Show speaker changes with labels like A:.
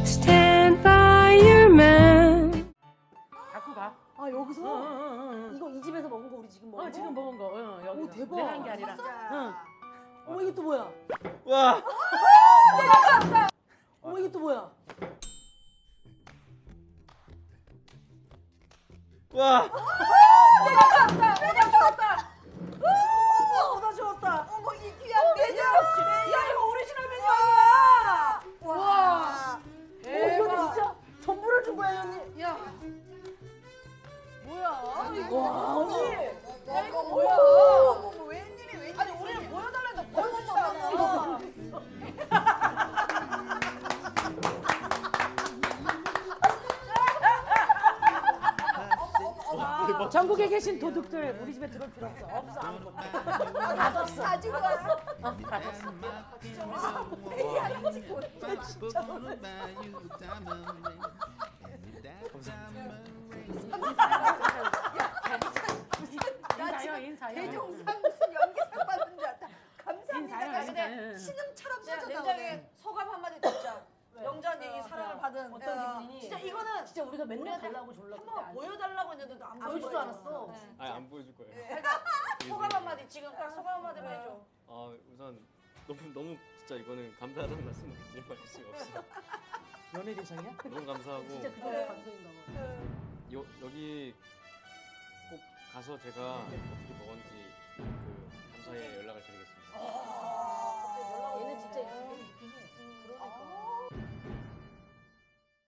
A: Stand by your man.
B: 갖고 가.
C: 아 여기서?
B: 응.
C: 이거 이 집에서 먹은 거 우리 지금 먹은 거?
B: 지금 먹은 거. 여기.
C: 오, 대박.
B: 내가 한 게 아니라. 응.
C: 어머 이게 또 뭐야?
D: 와.
C: 어머 이게 또 뭐야?
D: 와.
C: 어머 나 좋았다. 어머 이 귀한 메뉴. 야 이거 오리지널 메뉴 아니야? 와. 이거 진짜 전부를 준 거야 언니.
E: 야, 뭐야?
C: 와 언니.
E: 야, 이거 뭐야?
C: 어머 웬일이 웬일?
E: 아니, 우리는 보여달라는데 보여줬잖아.
B: 전국에 계신 도둑들 우리 집에 들어올 필요 없어. 없어 아무것도. 가졌어.
C: 가지고 왔어.
B: 가졌어. 인사요 인사요.
E: 대종상 무슨 연기상 받는 줄 알았다.
B: 인사요
E: 감사합니다.
B: 인사요.
E: 신음처럼
C: 야,
E: 써져
C: 냉장에
E: 나오네. 소감 한마디 듣자. 영자님 이 사랑을 받은
C: 어떤 기분이니?
E: 진짜 이거는
C: 진짜 우리가 맨날 달라고 졸라
E: 한번 보여달라고 했는데도 안
C: 보여주지도
E: 보여주고
C: 않았어.
D: 아니 안 보여줄 거예요.
E: 소감 한마디 지금 딱 소감 한마디만 해줘.
D: 우선 너무 진짜 이거는 감사하다는 말씀 드릴 수가 없어요.
B: 연애 대상이야?
D: 너무 감사하고
C: 진짜 그게 감동인가 봐.
D: 여기 꼭 가서 제가 어떻게 먹었는지 감사의 연락을 드리겠습니다.
C: 얘는 진짜 이렇게